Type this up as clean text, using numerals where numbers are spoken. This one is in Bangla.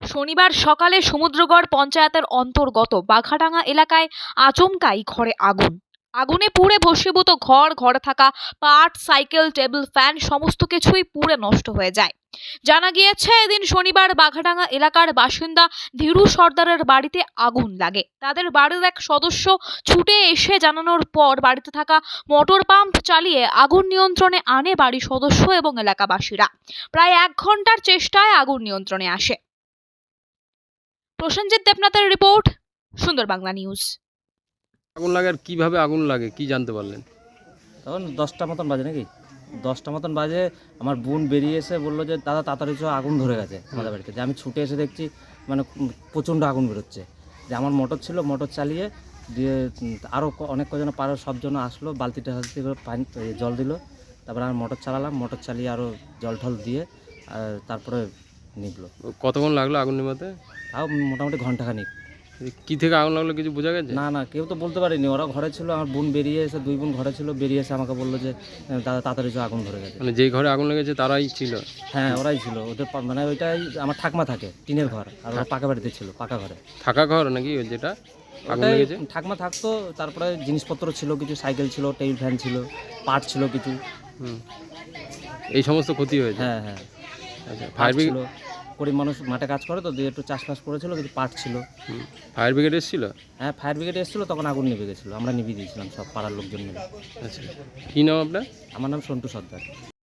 শনিবার সকালে সমুদ্রগড় পঞ্চায়েতের অন্তর্গত বাঘাডাঙ্গা এলাকায় আচমকাই ঘরে আগুনে পুড়ে ভস্মীভূত ঘরে থাকা পাট, সাইকেল, টেবিল ফ্যান সমস্ত কিছুই পুড়ে নষ্ট হয়ে যায়। জানা গিয়েছে, এদিন শনিবার বাঘাডাঙ্গা এলাকার বাসিন্দা ধীরু সর্দারের বাড়িতে আগুন লাগে। তাদের বাড়ির এক সদস্য ছুটে এসে জানানোর পর বাড়িতে থাকা মোটর পাম্প চালিয়ে আগুন নিয়ন্ত্রণে আনে বাড়ির সদস্য এবং এলাকাবাসীরা। প্রায় 1 ঘন্টার চেষ্টায় আগুন নিয়ন্ত্রণে আসে। প্রসেনজিৎ দেবনাথের রিপোর্ট, সুন্দর বাংলা নিউজ। আগুন লাগে আর কিভাবে আগুন লাগে কি জানতে পারলেন? তখন 10টা মতন বাজে নাকি 10টা মতন বাজে। আমার বোন বেরিয়ে এসে বললো যে দাদা তাড়াতাড়ি চো, আগুন ধরে গেছে আমাদের বাড়িতে। যে আমি ছুটে এসে দেখছি মানে প্রচণ্ড আগুন বেরোচ্ছে। যে আমার মোটর ছিল, মোটর চালিয়ে দিয়ে আরও অনেক কজন পাড়ার সবজন আসলো, বালতিটা করে পানি জল দিল। তারপরে আমি মোটর চালালাম, মোটর চালিয়ে আরও জল ঠল দিয়ে তারপরে নিভলো। কতক্ষণ লাগলো আগুন নেভাতে? তাও মোটামুটি ঘন্টাখানিক। কি থেকে আগুন লাগলো কিছু বোঝা গেছে? না কেউ তো বলতে পারিনি, ওরা ঘরে ছিল। আমার বোন বেরিয়ে এসে, 2 বোন ঘরে ছিল, বেরিয়ে এসে আমাকে বললো যে দাদা তাড়াতাড়ি চো, আগুন ধরে গেছে। মানে যেই ঘরে আগুন লেগেছে তারাই ছিল? হ্যাঁ, ওরাই ছিল। ওদের মানে ওইটাই আমার ঠাকমা থাকে, টিনের ঘর। আর ওরা পাকা বাড়িতে ছিল, পাকা ঘরে থাকা ঘর নাকি ওই যেটা আগুন ওটাই লেগেছে? ঠাকমা থাকতো। তারপরে জিনিসপত্র ছিল কিছু, সাইকেল ছিল, টেবিল ফ্যান ছিল, পাট ছিল কিছু। এই সমস্ত ক্ষতি হয়েছে? হ্যাঁ। আচ্ছা, পাট ফায়ার ব্রিগেড? ছিল, গরিব মানুষ মাঠে কাজ করে তো, দিয়ে একটু চাষবাস করেছিল, কিছু পাট ছিল। ফায়ার ব্রিগেড এসেছিল? হ্যাঁ, ফায়ার ব্রিগেড এসেছিলো, তখন আগুন নিভে গেছিলো। আমরা নিভিয়ে দিয়েছিলাম সব পাড়ার লোকজন মিলে। আচ্ছা, কী নাম আপনার? আমার নাম সন্টু সর্দার।